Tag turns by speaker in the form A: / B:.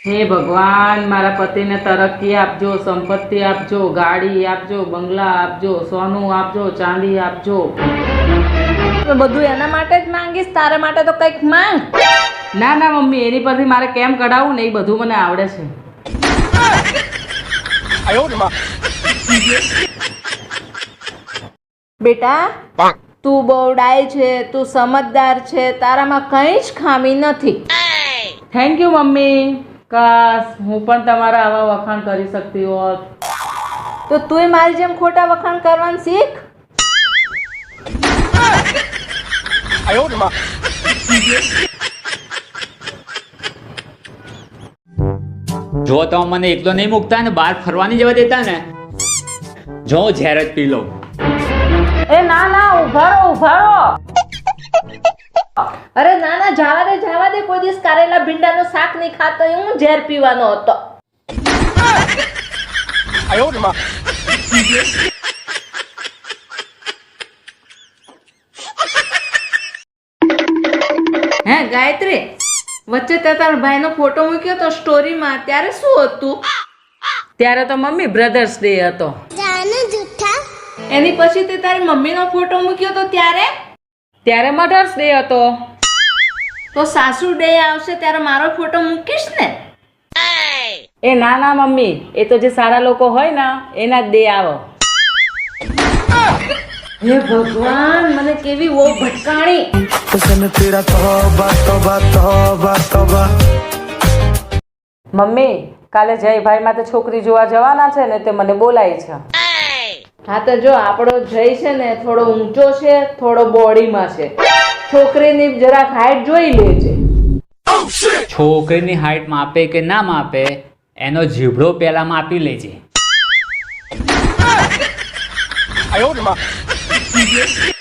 A: હે ભગવાન, મારા પતિને તરક્કી આપજો, સંપત્તિ આપજો, ગાડી આપજો, બંગલા આપજો, સોનું આપજો, ચાંદી આપજો.
B: બધું એના માટે જ માંગીશ, તારા માટે તો કંઈક માંગ.
A: ના ના મમ્મી, એની પરથી મારે કેમ કઢાવવું ને એ બધું મને આવડે છે.
B: બેટા, તું બહુ ડાય છે, તું સમજદાર છે, તારામાં કંઈ જ ખામી નથી.
A: Thank you mummy. કાશ હું પણ તમારા આવા વખાણ કરી શકતી હોત.
B: તો તુંય મારી જેમ ખોટા વખાણ કરવાનું શીખ.
C: જો તો મને એકલો નહીં મૂકતા ને બહાર ફરવાની જવા દેતા ને, જો ઝેર જ પી લઉં.
B: એ ના ના, ઉભા રહો, ઉભા રહો. અરે ના ના, જવા દે, જવા દે. કોઈ દિવસ કારેલા ભીંડાનું શાક નહીં ખાતો, હું ઝેર પીવાનો હતો. હે ગાયત્રી, વચ્ચે તે તારા ભાઈનો ફોટો મૂક્યો તો સ્ટોરીમાં, ત્યારે શું હતું?
A: ત્યારે તો મમ્મી બ્રધર્સ ડે હતો.
B: એની પછી તે તારી મમ્મીનો ફોટો મૂક્યો તો
A: ત્યારે મધર્સ ડે હતો.
B: તો સાસુ ડે આવશે ત્યારે મારો ફોટો મૂકીશ ને?
A: એ ના ના મમ્મી, એ તો જે સારા લોકો હોય ને એના જ ડે આવો.
B: હે ભગવાન, મને કેવી વો ભટકાણી.
A: મમ્મી, કાલે જયભાઈ માટે છોકરી જોવા જવાના છે ને, તે મને બોલાય છે.
B: હા તો જો, આપણો જય છે ને થોડો ઊંચો છે, થોડો બોડીમાં છે. છોકરીની જરાક હાઈટ જોઈ લેજે.
C: છોકરીની હાઈટ માપે કે ના માપે, એનો જીભડો પહેલા માપી લેજે.